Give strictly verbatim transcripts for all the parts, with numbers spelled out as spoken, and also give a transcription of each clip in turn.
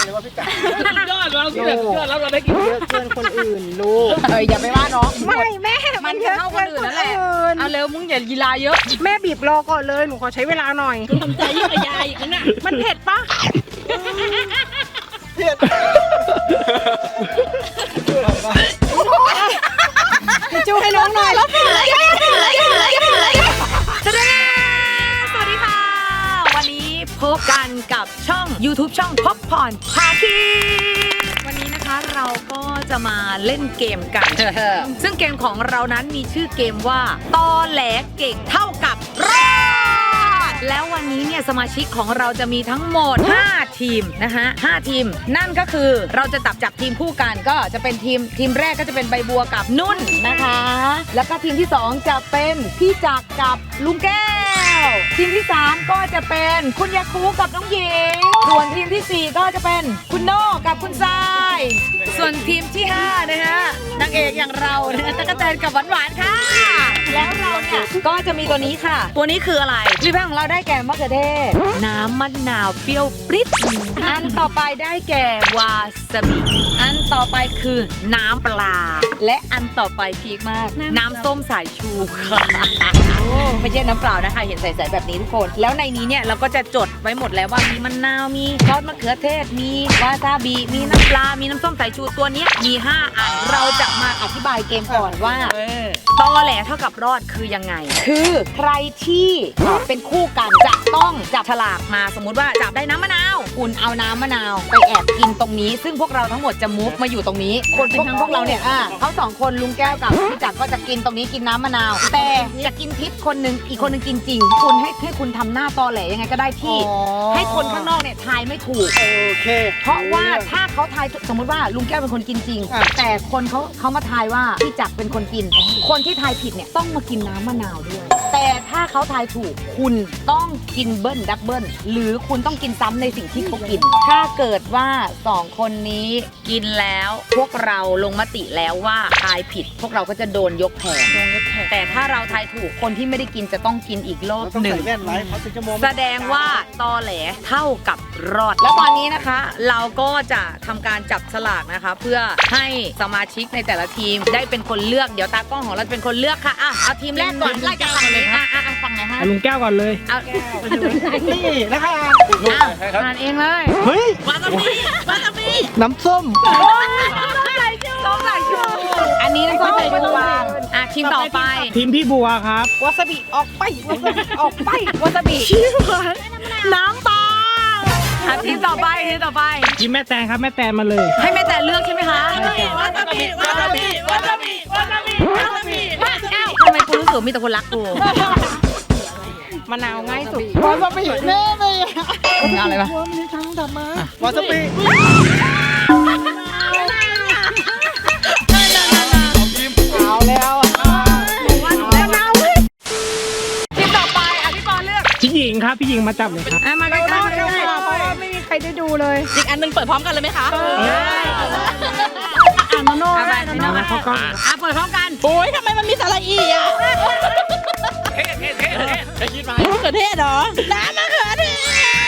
เลยว่าพี่จ๋าสุดยอดเราสุดยอดแล้วเราได้กินเยอะเกินคนอื่นลูกเอ้ยอย่าไปว่าน้องไม่แม่มันจะเท่าคนอื่นนั่นแหละเอาเร็วมึงอย่ากีฬาเยอะแม่บีบรอก่อนเลยหนูขอใช้เวลาหน่อยทำใจยิ่งกว่ายายอีกนะมันเผ็ดปะเผ็ดจูให้น้องหน่อยแล้วสวัสดีค่ะ วันนี้พบกันกับช่อง YouTube ช่องพบพรพาคีวันนี้นะคะเราก็จะมาเล่นเกมกัน ซึ่งเกมของเรานั้นมีชื่อเกมว่าตอแหลเก่งเท่ากับรอดแล้ววันนี้เนี่ยสมาชิกของเราจะมีทั้งหมดห้าทีมนะคะห้าทีมนั่นก็คือเราจะจับจับทีมคู่กันก็จะเป็นทีมทีมแรกก็จะเป็นใบบัวกับนุ่นนะคะ แล้วก็ทีมที่สองจะเป็นพี่จักรกับลุงแก้วทีมที่สามก็จะเป็นคุณยาคูกับน้องหญิงส่วนทีมที่สี่ก็จะเป็นคุณโน่กับคุณทรายส่วนทีมที่ห้านะฮะนางเอกอย่างเรานะตะกะแตนกับหวานหวานค่ะแล้วเราเนี่ยก็จะมีตัวนี้ค่ะตัวนี้คืออะไรพี่แป้งของเราได้แก่มะเขือเทศน้ำมะนาวเปรี้ยวปริ๊ดอันต่อไปได้แก่วาซาบิอันต่อไปคือน้ำปลาและอันต่อไปพีคมากน้ำส้มสายชูค่ะไม่ใช่น้ำเปล่านะคะเห็นใสๆแบบนี้ทุกคนแล้วในนี้เนี่ยเราก็จะจดไว้หมดแล้วว่ามีมะนาวมีซอสมะเขือเทศมีวาซาบิมีน้ำปลามีน้ำส้มสายชูตัวนี้มีห้าอันเราจะมาอธิบายเกมก่อนว่าตอแหลเท่ากับรอดคือยังไงคือใครที่เป็นคู่กันจะต้องจับฉลากมาสมมุติว่าจับได้น้ำมะนาวคุณเอาน้ำมะนาวไปแอบกินตรงนี้ซึ่งพวกเราทั้งหมดจะมุฟมาอยู่ตรงนี้คนพวกทั้งพวกเราเนี่ยอ่ะเขาสองคนลุงแก้วกับพี่จักรก็จะกินตรงนี้กินน้ำมะนาวแต่จะกินทิพย์คนหนึ่งอีกคนหนึ่งกินจริงคุณให้ให้คุณทำหน้าตอแหลยังไงก็ได้ที่ให้คนข้างนอกเนี่ยทายไม่ถูกโอเคเพราะว่าถ้าเขาทายสมมติว่าลุงแก้วเป็นคนกินจริง แต่คนเขาเขามาทายว่าพี่จักรเป็นคนกิน คนที่ทายผิดเนี่ยต้องมากินน้ำมะนาวด้วยแต่ถ้าเขาทายถูกคุณต้องกินเบิ้ลดับเบิ้ลหรือคุณต้องกินซ้ำในสิ่งที่เขากิน ถ้าเกิดว่าสองคนนี้กินแล้วพวกเราลงมติแล้วว่าทายผิด พวกเราก็จะโดนยกแผงแต่ถ้าเราทายถูกคนที่ไม่ได้กินจะต้องกินอีกรอบต้องหนึ่ใส่งแว่นไว้เพราะถึงจะมองแสดงว่าตอแหลเท่ากับรอด แล้วตอนนี้นะคะ เราก็จะทำการจับฉลากนะคะ เพื่อให้สมาชิกในแต่ละทีมได้เป็นคนเลือกเดี๋ยวตากล้องของเราจะเป็นคนเลือกค่ะอ่ะเอาทีมแรกก่อนไล่จากฝั่งนี้อ่ะอ่ะอ่ะฝั่งไหนฮะลุงแก้วก่อนเลยเอานี่นะคะเอาอ่านเองเลยเฮ้ยวาซาบิวาซาบิน้ำส้มส้มสายชูอันนี้น้ำส้มสายชูอ่ะทีมต่อไปทีมพี่บัวครับวาซาบิออกไปวาซาบิออกไปวาซาบิน้ำปลาอ่ะทีมต่อไปทีมต่อไปทีมแม่แตนครับแม่แตนมาเลยให้แม่แต่เลือกใช่ไหมคะวาซาบิวาซาบิวาซาบิวาซาบิวาซาบิทำไมกูรู้สึกมีแต่คนรักกูมะนาวง่ายสุดวาซาบิแน่เลยมึงเอาอะไรปะวามีทั้งดำมาวาซาบิเอาแล้วทีมต่อไปอ่ะพี่ปอเลือกพี่หญิงครับพี่หญิงมาจับเลยครับอ่ะมาใกล้ๆมาใกล้เพราะว่าไม่มีใครได้ดูเลยอีกอันหนึงเปิดพร้อมกันเลยไหมคะอ่านโน่ๆเอาไปได้พี่น้องอ่ะอ่ะเปิดพร้อมกันโอ้ยทำไมมันมีสาระอีอ่ะเท่เท่เท่เท่คิดมามะเขือเทศเหรอ น้ำมะเขือเทศ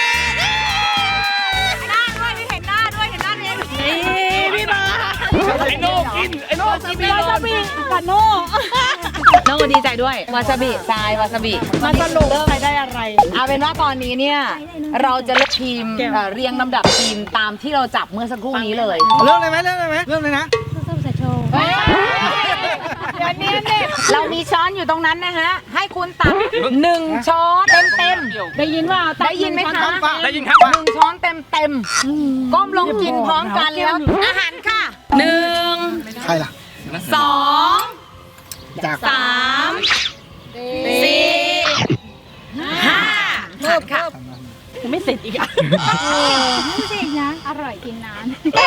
หน้าด้วยพี่เห็นหน้าด้วยเห็นหน้าเองนี่พี่บาไอ้โน่กินไอ้โน่กินไม่วาโดซาน บิกับโน่น้องดีใจด้วยวาซาบิทรายวาซาบิมาสรุปใครได้อะไรเอาเป็นว่าตอนนี้เนี่ยเราจะเลือกทีมเอ่อเรียงลำดับทีมตามที่เราจับเมื่อสักครู่นี้เลยเริ่มเลยไหมเริ่มเลยไหมเริ่มเลยนะเฮ้ยเดี๋ยวนี้เนี่ยเรามีช้อนอยู่ตรงนั้นนะฮะให้คุณตักหนึ่งช้อนเต็มเต็มๆได้ยินว่าได้ยินไหมคะได้ยินครับหนึ่งช้อนเต็มเต็มๆก้มลงกินพร้อมกันแล้วอาหารค่ะหนึ่งใครล่ะสองจากสามสี่ห้าเพิ่มค่ะไม่เสร็จอีกอ่ะไม่ใช่นะ อร่อยกินนาน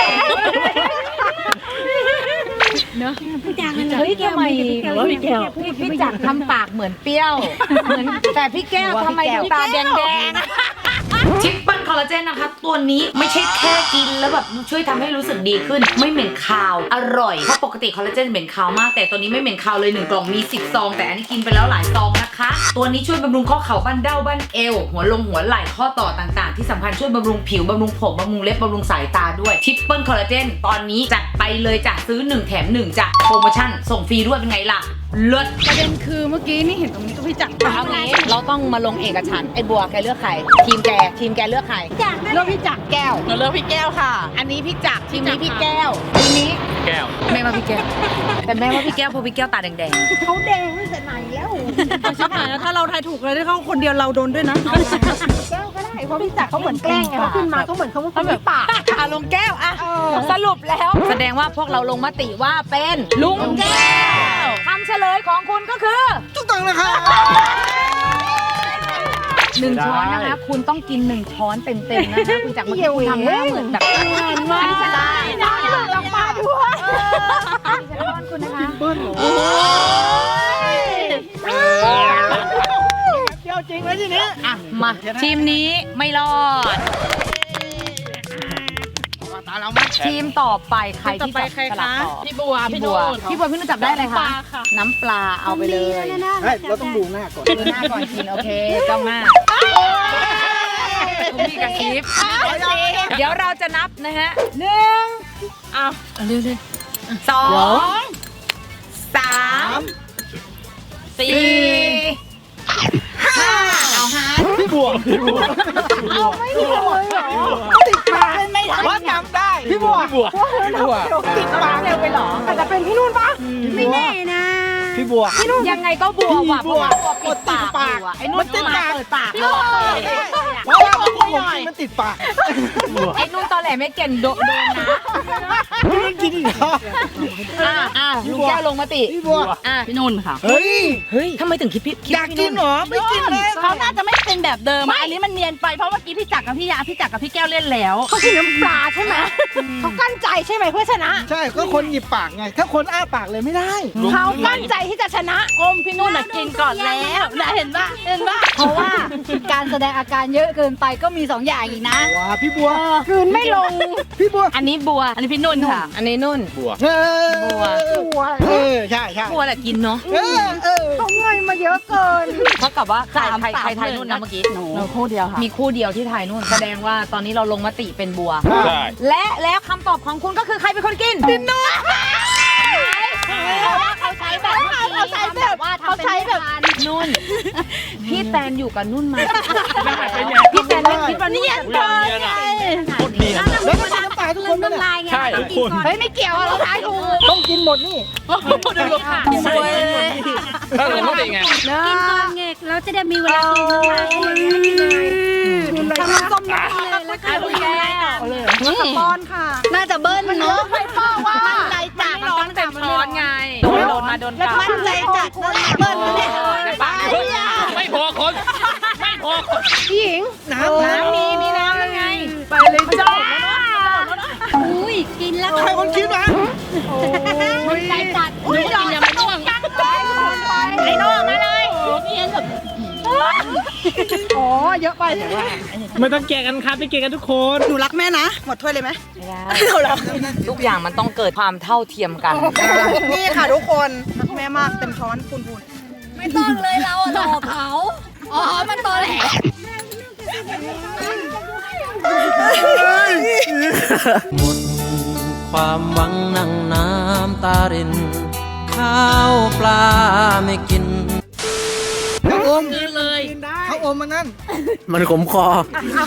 เนอะพี่จักรเฮ้ยทำไมพี่แก้วพี่พี่จักรทำปากเหมือนเปรี้ยวเหมือนแต่พี่แก้วทำไมดูตาแดงแดงทิปเปิลคอลลาเจนนะคะตัวนี้ไม่ใช่แค่กินแล้วแบบช่วยทำให้รู้สึกดีขึ้นไม่เหม็นคาวอร่อยเพราะปกติคอลลาเจนเหม็นคาวมากแต่ตัวนี้ไม่เหม็นคาวเลยหนึ่งกล่องมีสิบซองแต่อันนี้กินไปแล้วหลายซองนะคะตัวนี้ช่วยบำรุงข้อเข่าบั้นเด้าบั้นเอวหัวลงหัวไหล่ข้อต่อต่างๆที่สำคัญช่วยบำรุงผิวบำรุงผมบำรุงเล็บบำรุงสายตาด้วยทิปเปิลคอลลาเจนตอนนี้จัดไปเลยจ้ะซื้อหนึ่งแถมหนึ่งจ้ะโปรโมชั่นส่งฟรีด้วยเป็นไงล่ะเลิศประเด็นคือเมื่อกี้นี่เห็นตรงนี้ก็พี่จักรเอางี้เราต้องมาลงเอกฉันท์ไอ้บัวแกเลือกใครทีมแกทีมแกเลือกใครจากเลือกพี่จักรแก้วหนูเลือกพี่แก้วค่ะอันนี้พี่จักรทีมนี้พี่แก้วทีมนี้แก้วแม่ว่าพี่แก้วแต่แม่ว่าพี่แก้วเพราะพี่แก้วตาแดงเขาแดงตั้งแต่ไหนแล้วชิบหายแล้วถ้าเราทายถูกเลยได้เขาคนเดียวเราโดนด้วยนะแก้วก็ได้เพราะพี่จักรเขาเหมือนแกล้งไงเขาขึ้นมาเขาเหมือนเขาเขาแบบปากอ่ะลุงแก้วอ่ะสรุปแล้ว แสดงว่าพวกเราลงมติว่าเป็นลุงแก้วคำเฉลยของคุณก็คือถูกต้องนะครับหนึ่งช้อนนะคะคุณต้องกินหนึ่งช้อนเต็มๆนะคะคุณจักรเมื่อกี้คุณทำหน้าเหมือนแบบอันนี้จะได้ได้ลองมาด้วยอันนี้จะป้อนคุณนะคะเดี๋ยวจริงไหมทีนี้อ่ะมาทีมนี้ไม่รอดตาเราไหมทีมต่อไปใครที่จับสลับต่อพี่บัว พี่พี่นุ่บัวน พี่บัวพี่นุ่นจับได้อะไรคะน้ำปลาเอาไปเลยเฮ้ยเราต้องดูหน้าก่อนดูหน้าก่อนกินโอเคจ้องหน้าคุณพี่กระซิบเดี๋ยวเราจะนับนะฮะหนึ่งเอาเร็วเลยสองสามสี่ห้าเอาฮะพี่บัวพี่บัวเอาไม่ถูกเลยเหรอติดปากไม่ได้ว่าจำได้พี่บัวพี่บัวพี่บัวติดปากเร็วไปเหรอแต่จะเป็นพี่นุ่นปะไม่แน่นะพี่บัวยังไงก็บัวว่ะเพราะว่าบัวปิดปากอยู่อะไอ้นุ่นติดปากเปิดปากเราเปิดเพราะว่าผมมันติดปากไอ้นุ่นตอนแหลไม่เก่งโดนนะพี่นุ่นกินอีกเหรออ่ะอ่ะลุงแก้วลงมาติพี่บัวอ่ะพี่นุ่นค่ะเฮ้ยเฮ้ยทำไมถึงคิดพี่คิดอยากกินเหรอไม่กินเลยเขาน่าจะไม่เป็นแบบเดิมอะอันนี้มันเนียนไปเพราะเมื่อกี้พี่จักรกับพี่ยาพี่จักรกับพี่แก้วเล่นแล้วเขากินน้ำปลาใช่ไหมเขากั้นใจใช่ไหมเพื่อชนะใช่ก็คนหยิบปากไงถ้าคนอ้าปากเลยไม่ได้เขากั้นใจที่จะชนะก้มพี่นุ่นน่ะกินก่อนแล้วนะเห็นปะเห็นปะเพราะว่าการแสดงอาการเยอะเกินไปก็มีสองอย่างอีกนะว้าพี่บัวคืนไม่ลงพี่บัวอันนี้บัวอันนี้พี่นุ่นค่ะอันนี้นุ่นเออบัวตัวเออใช่ใช่บัวแหละกินเนาะเออเออเขาเงยมาเยอะเกินเท่ากับว่าใครสามใครสามใครทายหนึ่งนุ่นนะเมื่อกี้หนูคู่เดียวค่ะมีคู่เดียวที่ทายนุ่น แสดงว่าตอนนี้เราลงมติเป็นบัวใช่และแล้วคำตอบของคุณก็คือใครเป็นคนกินดินนุ่นเขาใช้แบบเขาใช้แบบว่าเขาใช้แบบนุ่น พี่แตนอยู่กับนุ่นมาพี่แตนไม่คิดว่านุ่นจะแล้วก็กินน้ำตาทุกคนไหมเนี่ยใช่ทุกคนเฮ้ยไม่เกี่ยวเราทายถูกต้องกินหมดนี่ดูค่ะสวยถ้าเราไม่ติไงกินก่อนไงเราจะได้มีเวลากินอะไรกินเลยทำน้ำส้มน้ำเลยแล้วก็ดูแลป้อนค่ะน่าจะเบิ้ลเนาะไม่ป้อว่ามั่นใจจัดมันต้องเต็มช้อนไงโดนโดนมาโดนกลับมั่นใจจัดนั่นแหละเบิ้ลเนี่ยไม่พอคน ไม่พอคนพี่หญิงน้ำน้ำมีมีน้ำแล้วไงไปเลยจ้าอุ้ยกินแล้วใครคนคิดวะมั่นใจจัดอุ้ยกินยังไม่ร่วงไอ้โน่มาเลยอ๋อเยอะไปไม่ต้องแก่กันครับไปแก่กันทุกคนหนูรักแม่นะหมดถ้วยเลยไหมไม่ได้ทุกอย่างมันต้องเกิดความเท่าเทียมกันนี่ค่ะทุกคนรักแม่มากเต็มช้อนพูนพูนไม่ต้องเลยเราหลอกเขาอ๋อมันตอแหลหมดความหวังนั่งน้ำตาริน ข้าวปลาไม่กินเขาอมกินเลยเขาอมมันนั่นมันขมคอ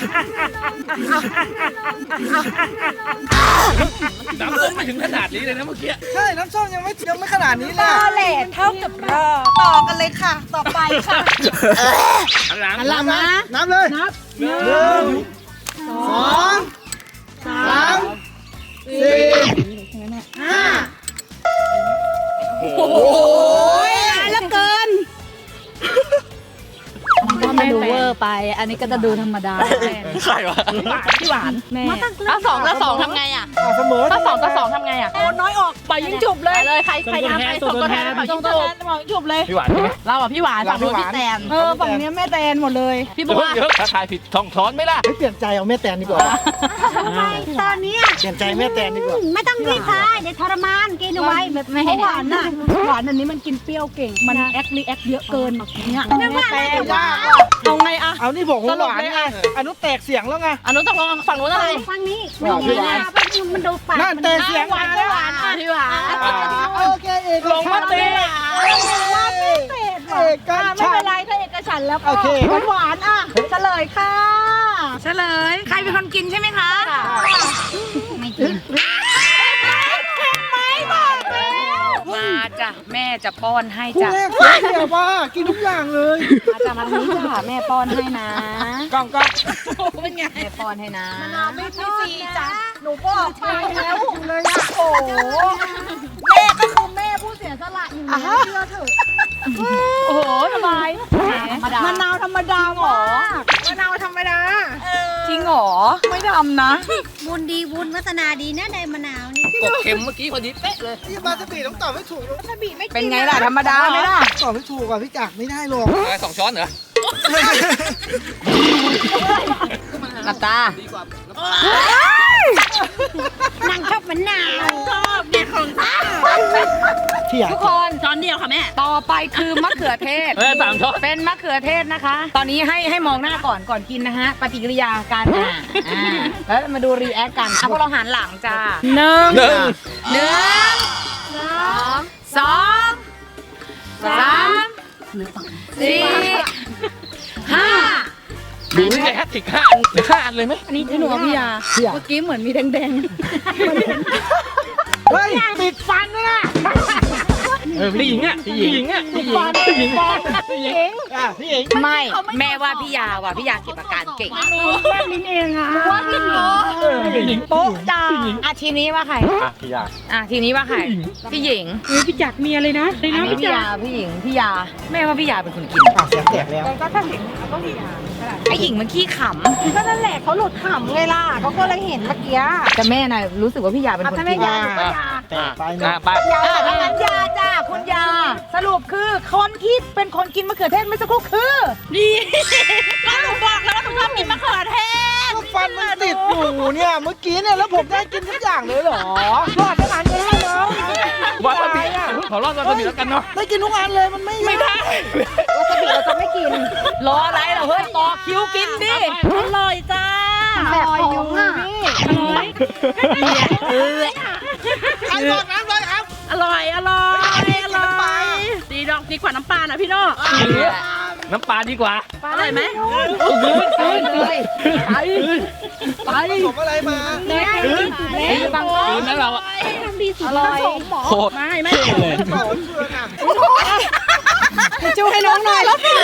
น้ำส้มไม่ถึงขนาดนี้เลยนะเมื่อกี้ใช่น้ำส้มยังไม่ยังไม่ขนาดนี้เลยตอแหลเท่ากับรอต่อกันเลยค่ะ ต่อไปค่ะอันหลังน้ำนะน้ำเลยนับหนึ่งสองสามสี่ห้าโอ้ยแล้วเกินก็ไม่ดูเวอร์ไปอันนี้ก็จะดูธรรมดาใครวะพี่หวานแม่ถ้าสองต่อสองทำไงอ่ะอ่ะเสมอถ้าสองต่อสองทำไงอ่ะโอ้น้อยออกปล่อยยิงจุบเลยเลยใครใครทำใครส่งตัวแทนปล่อยส่ยิงงตัวจุบแทนปล่อยยิงจุบเลยพี่หวานใช่ไหมเราอ่ะพี่หวานฝั่งนู้นพี่แตนเออฝั่งเนี้ยแม่แตนหมดเลยพี่เดี๋บัยววเดี๋ยวถ้าทายผิดทองช้อนไหมล่ะไม่เปลี่ยนใจเอาแม่แตนดีกว่าทำไมตอนนี้เปลี่ยนใจแม่แตนดีกว่าไม่ต้องรีบทายเดี๋ยวทรมานกินเอาไว้แบบไม่เพให้ราะหวานน่ะหวานอันนี้มันกินเปรี้ยวเก่ง มันแอครีแอคเยอะเกินเนี่ยนึกว่าอะไรจะหวานเอาไงอะเอานี่ผมหสรุปวานเลยไงอ่ะอนุแตกเสียงแล้วไงอันนู้นตกลงฝั่งนู้นอะไรฟังนี้หวานพี่หวานมันดูปากนั่นมันแตกเสียงหวานหวานอ่ะพี่หวานโอเคเอกลงมาตีเอกกันไม่เป็นไรถ้าเอกฉันท์แล้วก็โอเคหวานๆอ่ะเฉลยค่ะเฉลยใครเป็นคนกินใช่ไหมคะไม่กินมาจ้ะแม่จะป้อนให้ผู้จ้ะแรกเสียเสียบ้ากินทุกอย่างเลยมาจ้ะมาทางนี้จ้ะแม่ป้อนให้นะกล้องกล้องเป็นไงแม่ป้อนให้นะไม่ชอบจ้ะหนูบอกไปแล้วเลยอ่ะโอ้โหแม่ก็คือแม่ผู้เสียสละอยู่นะเชื่อเถอะโอ้โหสบายมะนาวธรรมดาหรอมะนาวธรรมดาจริงหรอไม่ทำนะบุญดีบุญวัฒนาดีนะในมะนาวนี่กบเข็มเมื่อกี้พอดีเป๊ะเลยพี่มาสบีต้องตอบไม่ถูกหรอกเป็นไงล่ะธรรมดาไหมล่ะตอบไม่ถูกอ่ะพี่จักรไม่ได้หรอกอะไรสองช้อนเหรอหลับตานางชอบมะนาวชอบเด็ดของข้าที่อยากทุกคนช้อนเดียวค่ะแม่ต่อไปคือมะเขือเทศเออสามช้อนเป็นมะเขือเทศนะคะ ตอนนี้ให้ให้มองหน้าก่อนก่อนกินนะฮะ ปฏิกิริยาการอ่าอ่าแล้วมาดูรีแอคกันอ่ะพวกเราหันหลังจ้าหนึ่งหนึ่งหนึ่งสองสามสี่ห้าดูนี่ไงแฮตติกห้าอันหรือห้าอันเลยไหมอันนี้หนูกับพี่ยาที่อยากเมื่อกี้เหมือนมีแดงเฮ้ยติดฟันด้วยนะเออพี่หญิงอ่ะพี่หญิงอ่ะพี่หญิงพี่หญิงพี่หญิงอ่ะพี่เองๆ ไม่ แม่ว่าพี่ยาว่ะพี่ยาเก็บอาการเก่งแม่ลิ้นเองอ่ะว่าพี่หญิงเออพี่หญิงโป๊ะจ้าอ่ะทีนี้ว่าใครอ่ะพี่ยาอ่ะทีนี้ว่าใคร พี่หญิงพี่จักมีอะไรนะอันนี้พี่ยาพี่หญิงพี่ยาแม่ว่าพี่ยาเป็นคนกินอ่ะเสียงแตกแล้วไอหญิงมันขี้ขก็นั่นแหละเขาหลุดขำไงล่ะเขาก็เลยเห็นเมื่อกี้ำแต่แม่น่ะรู้สึกว่าพี่ยาเป็นคนกินยาแตกไปอ่ะนะไปยาถ้างั้นยาจ้าคุณยา สรุปคือคนที่เป็นคนกินมะเขือเทศเมื่อสักครู่คือดีก็หนูบอกแล้วว่าหนูชอบกินมะเขือเทศก็ฟันมันติดอยู่เนี่ยเมื่อกี้เนี่ยแล้วผมได้กินทุกอย่างเลยเหรอรอดทั้งอันเลยนะน้องวาซาบิขอรอดวาซาบิแล้วกันเนาะได้กินทุกอันเลยมันไม่ไม่ได้วาซาบิเราจะไม่กิน รออะไรเหรอเฮ้ยต่อคิวกินดิอร่อยจ้าแบบของอ่ะอร่อยเออใครบอกน้ำเลยครับอร่อยอร่อยอร่อยดีดอกดีกว่าน้ำปลานะพี่โน่น้ำปลาดีกว่าอร่อยไหมกินเลยไปไปผสมอะไรมาเล็กบางคืนนั้นเราอะอร่อยโคตรไม่ไม่เท่เลยบอกว่าเพื่อนอ่ะจูให้น้องหน่อย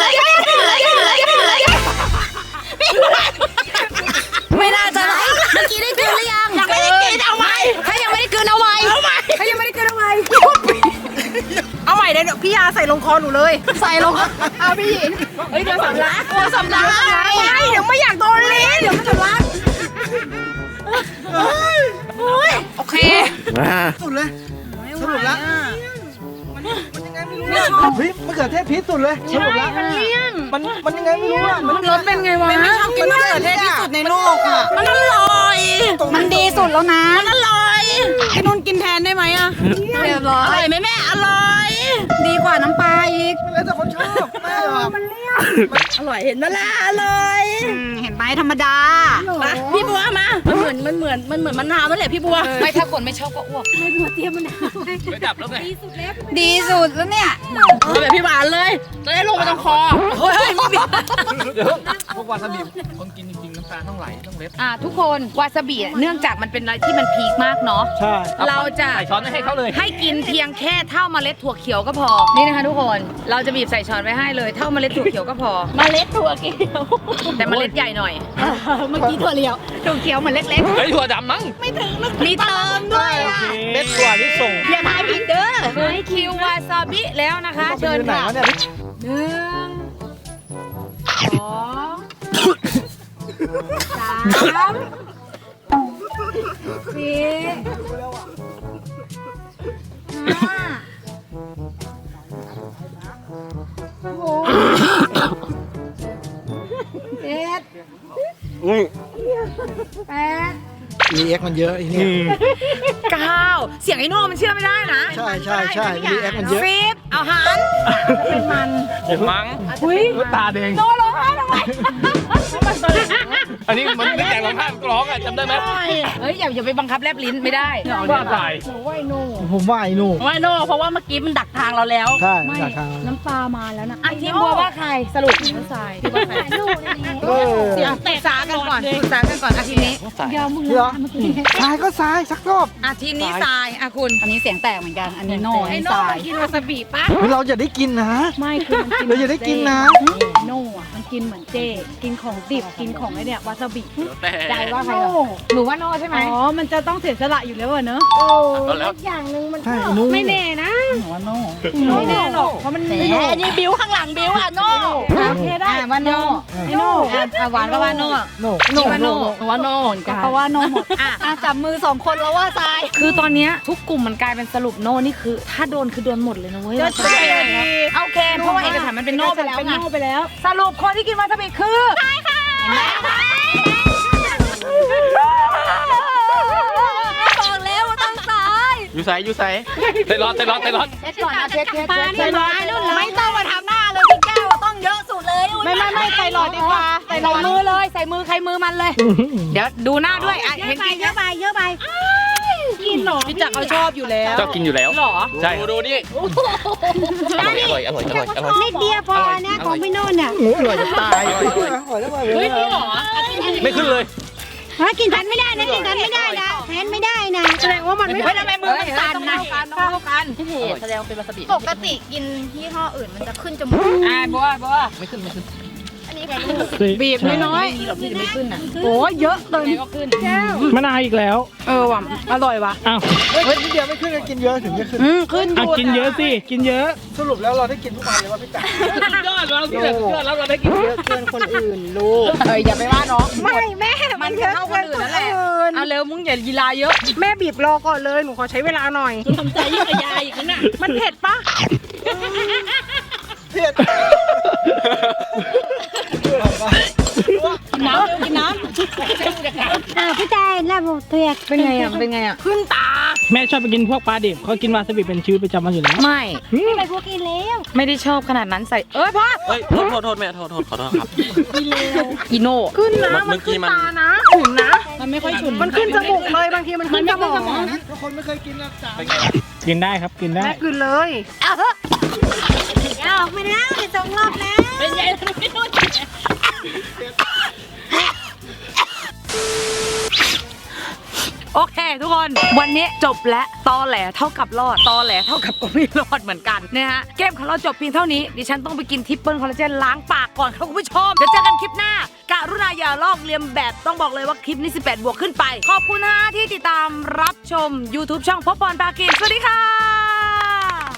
ไม่น่าจะไรเมื่อกี้ได้กินหรือยังยังไม่ได้กินเอาใหม่ถ้ายังไม่ได้กินเอาใหม่เอาใหม่ถ้ายังไม่ได้กินเอาใหม่เอาใหม่เดี๋ยวพี่ยาใส่ลงคอหนูเลยใส่ลงเอาพี่หญิงเฮ้ยเดี๋ยวสำลักกลัวสำลักไม่เดี๋ยวไม่อยากโดนลิ้นเดี๋ยวมันสำลักโอเคสุดเลยสรุปแล้วมันยังไงไม่รู้เฮ้ยมะเขือเทศพีชสุดเลยสรุปแล้วมันมันมันยังไงไม่รู้อ่ะมันรสเป็นไงวะไม่ชอบกินมะเขือเทศที่สุดในโลกอ่ะมันอร่อยมันดีสุดแล้วนะมันอร่อยไอ้นุ่นกินแทนได้ไหมอ่ะเรียบร้ออร่ยอยไหมแม่อร่อยดีกว่าน้ำปลาอีกแล้วแต่คนชอบไม่หรอกอร่อยเห็นไหมล่ะอร่อยเห็นไหมธรรมดามาพี่บัวมามันเหมือนมันเหมือนมันเหมือนมะนาวนั่นแหละพี่บัวไม่ถ้าคนไม่ชอบก็อ้วกไม่ดับแล้วไงดีสุดแล้วเนี่ยเอาแบบพี่หวานเลยจะได้ลงไปตรงคอเฮ้ยไม่มีเดี๋ยวพวกวาซาบิคนกินจริงๆน้ำตาต้องไหลต้องเล็ดอ่ะทุกคนวาซาบิเนื่องจากมันเป็นอะไรที่มันพีคมากเนาะใช่เราจะใส่ช้อนให้เขาเลยให้กินเพียงแค่เท่าเมล็ดถั่วเขียวก็พอ นี่นะคะทุกคน เราจะบีบใส่ช้อนไว้ให้เลยเท่าเมล็ดถั่วเขียวก็พอเมล็ดถั่วเขียวแต่เมล็ดใหญ่หน่อยเมื่อกี้ถั่วเหลียวถั่วเขียวเหมือนเล็กเฮ้ยถั่วดำมั้งๆ มีเติมด้วยอ่ะเม็ดถั่วที่ส่งอย่าทายผิดเด้อถึงคิววาซาบิแล้วนะคะ เชิญไหนค่ะวะเนี่ยหนึ่งสองสามสี่ห้าหกเจ็ดแปดรีแอคมันเยอะไอ้เนี่ยเก้าเสียงไอ้โน่มันเชื่อไม่ได้นะใช่ใช่ใช่รีแอคมันเยอะสิบเอาหันเป็นมันมั้งอุ้ยตาแดงโนร้องไห้ทำไมอันนี้มันไม่แต่งร้องไห้ร้องอ่ะจำได้ไหมเฮ้ยอย่าอย่าไปบังคับแลบลิ้นไม่ได้ว่าตายผมว่าไอ้หนูว่าโน่เพราะว่าเมื่อกี้มันดักทางเราแล้วใช่ไม่จากทางน้ำตามาแล้วนะอ่ะทีมบัวว่าใครสรุปน้ำตาที่ว่าใครลูกนี่เออเดี๋ยวปรึกษากันก่อนปรึกษากันก่อนอาทีมนี้เดี๋ยวมึงเดี๋ยวนะเมื่อกี้ซ้ายก็ซ้ายสักรอบอาทีมนี้ทรายอ่ะคุณอันนี้เสียงแตกเหมือนกัน อันนี้โน่อันไอ้นี้โน่สายกินวาซาบิปะเราจะได้กินนะไม่คือมันกินเราจะได้กินนะโน่อะมันกินเหมือนเจ กินของดิบกินของไอเนี่ยวาซาบิแต่ใจว่าใครโน่หนูว่าโน่ใช่ไหมอ๋อ มันจะต้องเสียสละอยู่แล้วอะเนอะแล้วอย่างหนึ่งมันใช่ไอ้หนูไม่แน่นะหัวโน่ไม่แน่หรอกเพราะมันแหมอันนี้บิ้วข้างหลังบิ้วอ่ะโน่โอเคได้อ่ะว่าโน่ไอโน่อ่ะอ่ะหวานก็ว่าโน่โน่โน่ว่าโน่หัวโน่เหมือนกันเพราะว่าโน่หมดอ่ะอ่ะจับมือสองคนแล้วว่าทรายคือตอนเนี้ยทุกกลุ่มมันกลายเป็นสรุปโน่นี่คือ ถ้าโดนคือโดนหมดเลยนะเว้ยก็ใช่ไงโอเคเพราะว่าเอกสารมันเป็นโน่ไปแล้วเป็นไงโน่ไปแล้วสรุปคนที่กินวาซาบิคือใช่ค่ะบอกแล้วว่าต้องตายอยู่ใส่อยู่ใส่เตะร้อนเตะร้อนเตะร้อนเช็ดก่อนนะเช็ดเช็ดปลาเช็นี่ดร้อยรุ่นไม่ต้องมาทำหน้าเลยพี่แก้วต้องเยอะสุดเลยไม่ไม่ไม่ใส่หลอดดีกว่าใส่หลใส่อดมือเลยใส่มือใครมือมันเลย เดี๋ยวดูหน้าด้วยอ่ะเยเห็อะนไปกินเยอะไปเยอะไปกินหรอพี่จักรเขาชอบอยู่แล้วชอบกินอยู่แล้วหรอใช่ดูดูนี่อร่อยอร่อยอร่อยอร่อยนิดเดียวพอนะของพี่โน่นเนี่ยหมูอร่อยจะตายอร่อยอร่อยแล้วมาเลยเฮ้ยนี่หรอไม่ขึ้นเลยฮะกินทันไม่ได้นะกินทันไม่ได้นะแทนไม่ได้นะแสดงว่ามันไม่เฮ้ยทำไมมือมันสั่นนะเท่ากันพี่เพจแสดงเป็นวาซาบิปกติกินยี่ห้ออื่นมันจะขึ้นจมูกอ่าบัวบัวไม่ขึ้นไม่ขึ้นอันนี้แค่ลูกบีบน้อยนี่เราพี่จะไม่ขึ้นอ่ะโอ้เยอะเกินก็ขึ้นมะนาวอีกแล้วเออว่ะอร่อยว่ะอ้าวเฮ้ยนิดเดียวไม่ขึ้นกินเยอะถึงจะขึ้นอืมขึ้นอยู่กินเยอะสิกินเยอะสรุปแล้วเราได้กินทุกวันเลยว่าพี่จ๋ายอดเราที่แบบยอดแล้วเราได้กินเยอะเกินคนอื่นลูกเฮ้ยอย่าไปว่าน้องไม่แม่มัมัน นเยเยอะอะเท่าคนอื่นนั่นแหละเอาเร็วมึงอย่าลีลาเยอะแม่บีบรอก่อนเลยหนูขอใช้เวลาหน่อยทำใจยิ่งกว่ายายอีกนะมันเผ็ดปะเผ็ดน้ำกินน้อ่าพี่แจนแล้วเถือกเป็นไงอ่ะเป็นไงอ่ะขึ้นตาแม่ชอบไปกินพวกปลาดิบเขากินวาซาบิเป็นชีวิตประจำวันอยู่แล้วไม่ไปพวกกินแล้วไม่ได้ชอบขนาดนั้นใส่เอ้ยพ่อเฮ้ยโทษโทษโทษแม่โทษโทษขอโทษครับอีโน่ขึ้นนะเมื่มันอกี้ขึ้นมันตานะขุ่นนะำมันไม่ค่อยฉุนมันขึ้นจมูกเลยบางทีมันขึ้นสมองทุกคนไม่เคยกินนะจ๋าเป็นไงล่ะกินได้ครับกินได้แม่ขึ้นเลยเอาออกมาแล้วสองรอบแล้วเป็นไงล่ะพี่โน่โอเค ทุกคนวันนี้จบและตอแหลเท่ากับรอดตอแหลเท่ากับก็ไม่รอดเหมือนกันนะฮะเกมของเราจบเพียงเท่านี้ดิฉันต้องไปกินทิปเปิลคอลลาเจนล้างปากก่อนครับคุณผู้ชมเดี๋ยวเจอกันคลิปหน้ากรุณาอย่าลอกเลียนแบบต้องบอกเลยว่าคลิปนี้สิบแปดบวกขึ้นไปขอบคุณนะที่ติดตามรับชม YouTube ช่องพบปอนปากินสวัสดีค่ะ